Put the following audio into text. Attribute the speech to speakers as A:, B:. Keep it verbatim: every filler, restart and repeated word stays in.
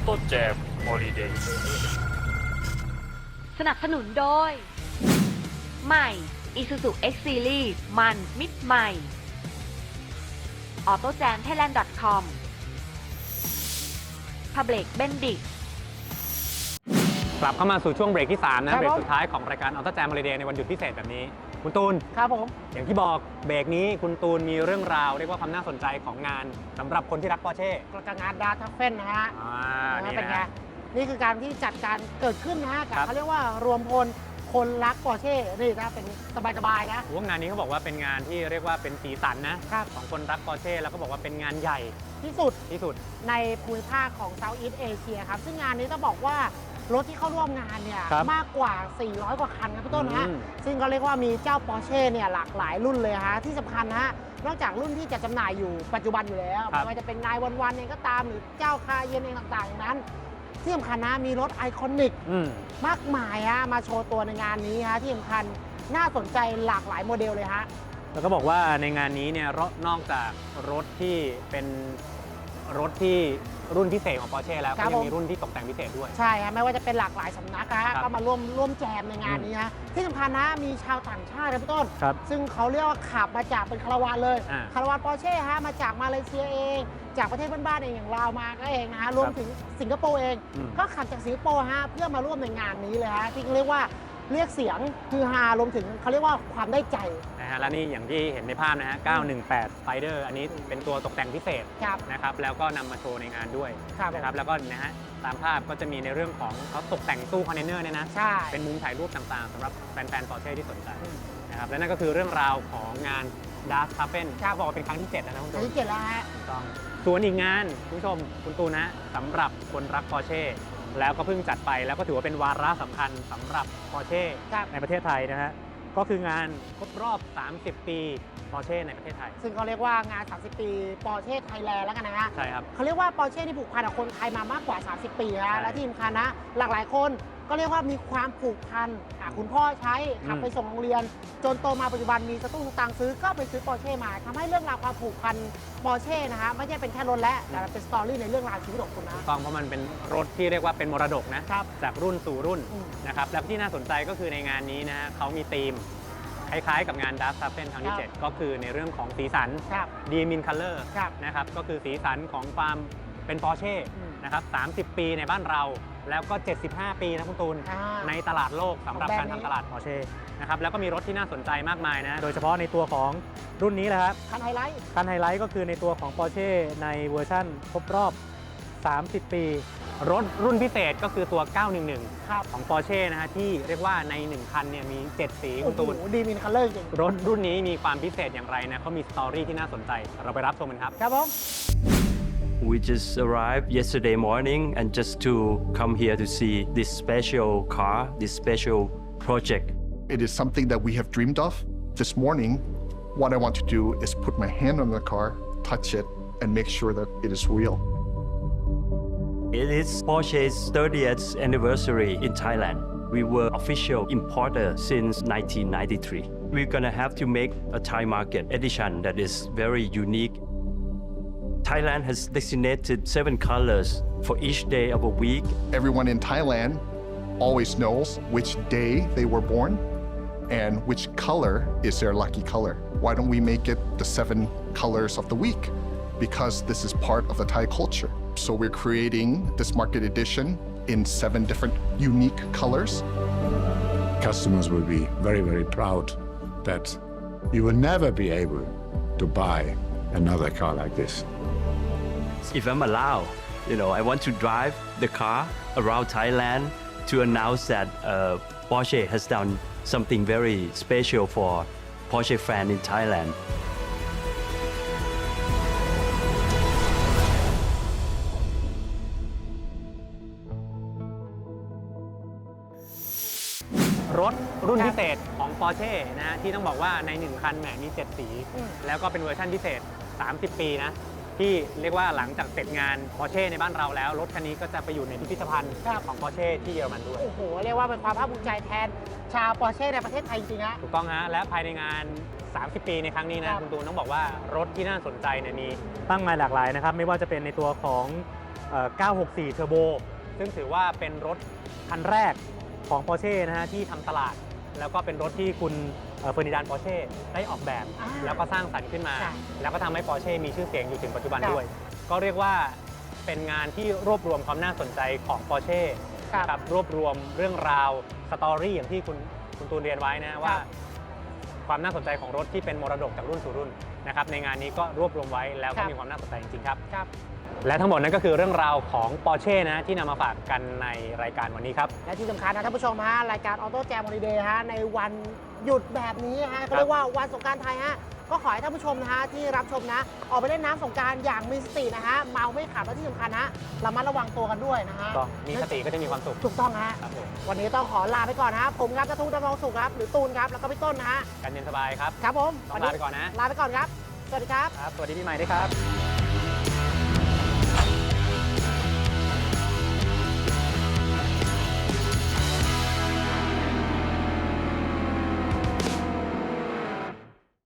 A: Auto Jam Holiday
B: สนับสนุนโดย ใหม่ Isuzu X Series มันมิดใหม่ ออโต้แจมไทยแลนด์ ดอท คอม Public Bendix
C: กลับเข้ามาสู่ช่วงเบรกที่ สาม นะ
D: ครับ
C: เบรก
D: ผม
C: สุดท้ายของรายการ Auto Jam Holiday ในวันหยุดพิเศษแบบนี้ คุณตูน
D: ครับผม
C: อย่างที่บอกเบรกนี้คุณตูนมีเรื่องราวเรียกว่าความน่าสนใจของงานสำหรับคนที่รักปอร์เช่
D: กระงานดาทัฟเฟนนะฮะ
C: อ่า
D: นะ
C: นี่
D: เป็นไง
C: นะ
D: นี่คือการที่จัดการเกิดขึ้นนะฮะกับ
C: ครับ
D: เขาเรียกว่ารวมพลคนรักปอร์เช่นี่นะเป็นสบายๆนะ
C: ว่างานนี้เขาบอกว่าเป็นงานที่เรียกว่าเป็นสีสันนะครับ ของคนรักปอร์เช่แล้วก็บอกว่าเป็นงานใหญ่
D: ที่สุด
C: ที่สุด
D: ในภูมิภาคของเซาท์อีสต์เอเชียครับซึ่งงานนี้ต้องบอกว่ารถที่เข้าร่วมงานเนี่ย
C: ครับ
D: มากกว่า สี่ร้อย กว่าคันครับพี่ต้นนะฮะ
C: อืม
D: ซึ่งก็เรียกว่ามีเจ้าปอร์เช่เนี่ยหลากหลายรุ่นเลยฮะที่สำคัญนะฮะนอกจากรุ่นที่จะจำหน่ายอยู่ปัจจุบันอยู่แล้ว
C: ครับ
D: ไม่ว่าจะเป็นนายวันวันเองก็ตามหรือเจ้าคาเยนเองต่างๆอย่างนั้น ที่สำคัญนะมีรถไอคอนิก
C: อืม
D: มากมายฮะมาโชว์ตัวในงานนี้ฮะที่สำคัญน่าสนใจหลากหลายโมเดลเลยฮะ
C: แล้วก็บอกว่าในงานนี้เนี่ยรถนอกจากรถที่เป็นรถที่รุ่นพิเศษของ Porsche แล้ว
D: ครั
C: ก็
D: บ
C: ยัง
D: ผม
C: มีรุ่นที่ตกแต่งพิเศษด้วย
D: ใช่ฮะไม่ว่าจะเป็นหลากหลายสำนักนะฮะ
C: ครับ
D: ก็มาร่วมร่วมแจมในงานนี้ฮะที่สำคัญนะมีชาวต่างชาตินะพี่ต้น
C: ครับ
D: ซึ่งเขาเรียกว่าขับมาจากเป็นคาราวานเลย
C: อ่า
D: คาราวานปอร์เช่ฮะมาจากมาเลเซียเอง จากประเทศบ้านๆเองอย่างลาวมาก็เองนะฮะรวมถึงสิงคโปร์เอง
C: อืม
D: ก็ขับจากสิงคโปร์ฮะเพื่อมาร่วมในงานนี้เลยฮะที่เรียกว่าเรียกเสียงคือฮารวมถึงเขาเรียกว่าความได้ใจ
C: นะฮะและนี่อย่างที่เห็นในภาพนะฮะ เก้าหนึ่งแปด Spider อันนี้เป็นตัวตกแต่งพิเศษ
D: ครับ
C: นะครับ แล้วก็นำมาโชว์ในงานด้วย
D: ครับ
C: นะครับ แล้วก็นะฮะ ตามภาพก็จะมีในเรื่องของเขาตกแต่งตู้คอนเทนเนอร์เนี่ยนะ
D: ใช่
C: เป็นมุมถ่ายรูปต่างๆสำหรับแฟนๆ Porsche ที่สนใจนะครับ และนั่นก็คือเรื่องราวของงาน Das t a f e n
D: ครับ
C: บอกว่าเป็นครั้งที่ เจ็ดแล้วนะคุณ
D: อั
C: ตู
D: น
C: น
D: ที่เจ็ดแล้วฮะ
C: ถูกต้องส่วนอีกงานคุณผู้ชมคุณตูนนะสำหรับคนรัก Porsche แล้วก็เพิ่งจัดไปแล้วก็ถือว่าเป็นวาระสำคัญสำหรับ Porsche
D: ครับ
C: ในประเทศไทยนะฮะก็คืองานครบรอบ สามสิบ ปี Porsche ในประเทศไทย
D: ซึ่งเขาเรียกว่างาน สามสิบ ปีปอร์เช่ไทยแลนด์แล้วกันนะฮะ
C: ใช่ครับ
D: เขาเรียกว่าปอร์เช่ที่ผูกพันกับคนไทยมามากกว่า สามสิบ ปี
C: ใช่
D: นะและที่สำคัญนะ หลากหลายคนก็เรียกว่ามีความผูกพันอ่ะคุณพ่อใช้ขับ
C: อืม
D: ไปส่งโรงเรียน จนโตมาปัจจุบันมีสตุ้งสตังค์ซื้อก็ไปซื้อปอร์เช่มาทำให้เรื่องราวความผูกพันปอร์เช่นะฮะไม่ใช่เป็นแค่รถและแต่มันเป็นสตอรี่ในเรื่องราวชีวิตของคุณนะ
C: ถูกต้องเพราะมันเป็นรถที่เรียกว่าเป็นมรดกนะครับ จากรุ่นสู่รุ่น
D: อืม
C: นะครับแล้วที่น่าสนใจก็คือในงานนี้นะฮะเขามีธีมคล้ายๆกับงาน Das t a f e n ครั้งที่
D: ครับ
C: เจ็ด ก็คือในเรื่องของสีสัน
D: ครับ
C: ดีมินคัลเลอร์
D: ครับ
C: นะครับก็คือสีสันของความเป็น Porsche
D: อืม
C: นะครับสามสิบ ปีในบ้านเรา แล้วก็ เจ็ดสิบห้า ปีนะคุณตูน
D: อ่า
C: ในตลาดโลกสำหรับ
D: ของแบร
C: กาน ร
D: ด์นี้
C: ทำตลาด Porsche นะครับแล้วก็มีรถที่น่าสนใจมากมายนะโดยเฉพาะในตัวของรุ่นนี้แหละครับ
D: คันไฮไลท์
C: คันไฮไลท์ก็คือในตัวของ Porsche ในเวอร์ชั่นครบรอบ สามสิบ ปี รถรุ่นพิเศษก็คือตัว เก้าหนึ่งหนึ่ง
D: ครับ
C: ของ Porsche นะฮะที่เรียกว่าในหนึ่งคันเนี่ยมี เจ็ด สีคุณตูน
D: โอ้โหดีมินคัลเลอร์จริง
C: รถรุ่นนี้มีความพิเศษอย่างไรนะเขามีสตอรี่ที่น่าสนใจเราไปรับชมกันครับ
D: ครับผม
E: We just arrived yesterday morning and just to come here to see this special car, this special project.
F: It is something that we have dreamed of. This morning, what I want to do is put my hand on the car, touch it, and make sure that it is real.
E: It is Porsche's thirtieth anniversary in Thailand. We were official importer since nineteen ninety-three. We're gonna have to make a Thai market edition that is very unique. Thailand has designated seven colors for each day of a week.
F: Everyone in Thailand always knows which day they were born and which color is their lucky color. Why don't we make it the seven colors of the week? Because this is part of the Thai culture. So we're creating this market edition in seven different unique colors.
G: Customers will be very, very proud that you will never be able to buy another car like this.
E: If I'm allowed, you know, I want to drive the car around Thailand to announce that uh, Porsche has done something very special for Porsche fan in Thailand.
C: รถรุ่นพิเศษของ Porsche นะฮะที่ต้องบอกว่าในหนึ่งคันแหมมี เจ็ด สี
D: อืม
C: แล้วก็เป็นเวอร์ชันพิเศษ สามสิบ ปีนะที่เรียกว่าหลังจากเสร็จงาน Porsche ในบ้านเราแล้ว รถคันนี้ก็จะไปอยู่ในพิพิธภัณฑ์ของ Porsche ที่เยอรมันด้วย
D: โอ้โหเรียกว่าเป็นความภาคภูมิใจแทนชาวปอร์เช่ในประเทศไทยจริงๆฮะ
C: ถูกต้องฮะและภายในงาน สามสิบ ปีในครั้งนี้
D: ค
C: นะ
D: รับ
C: คุณตูนต้องบอกว่ารถที่น่าสนใจเนี่ยมีตั้งมาหลากหลายนะครับไม่ว่าจะเป็นในตัวของเอ่อเก้าหกสี่ Turbo ซึ่งถือว่าเป็นรถคันแรกของ Porsche นะฮะที่ทำตลาด แล้วก็เป็นรถที่คุณเอ่อเฟอร์ดินานด์ปอร์เช่ได้ออกแบบ
D: อ่า
C: แล้วก็สร้างสรรค์ขึ้นมา
D: ใช่
C: แล้วก็ทำให้ Porsche มีชื่อเสียงอยู่ถึงปัจจุบัน
D: ครับ
C: ด้วย ก็เรียกว่าเป็นงานที่รวบรวมความน่าสนใจของ Porsche
D: ครับ
C: นะครับรวบรวมเรื่องราวสตอรี่อย่างที่คุณคุณตูนเรียนไว้นะว่า ความน่าสนใจของรถที่เป็นมรดกจากรุ่นสู่รุ่นนะครับในงานนี้ก็รวบรวมไว้แล้ว
D: ค
C: ก็
D: รับ
C: มีความน่าสนใจจริงๆครับ
D: ครับ
C: และทั้งหมดนั้นก็คือเรื่องราวของ Porsche นะที่นำมาฝากกันในรายการวันนี้ครับ
D: และที่สำคัญนะท่านผู้ชมฮะรายการ Auto Jam Holiday ฮะในวันหยุดแบบนี้ฮะเขาเรียกว่าวันสงกรานต์ไทยฮะก็ขอให้ท่านผู้ชมนะฮะที่รับชมนะออกไปเล่นน้ำสงกรานต์อย่างมีสตินะฮะเมาไม่ขับและที่สำคัญฮะระมัดระวังตัวกันด้วยนะฮะ
C: ก็มีสติก็จะมีความสุข
D: ถูกต้องฮะ
C: ครับผม
D: วันนี้ต้องขอลาไปก่อนนะครับผมครับนัทวุฒิดำรงสุขครับหรือตูนครับแล้วก็พี่ต้นนะฮะ
C: กันเย็นสบายครับ
D: ครับผม
C: ต้องลาไปก่อนนะ
D: ลาไปก่อนครับสวัสดีครับ
C: ครับ สวัสดีปีใหม่ด้วยครับ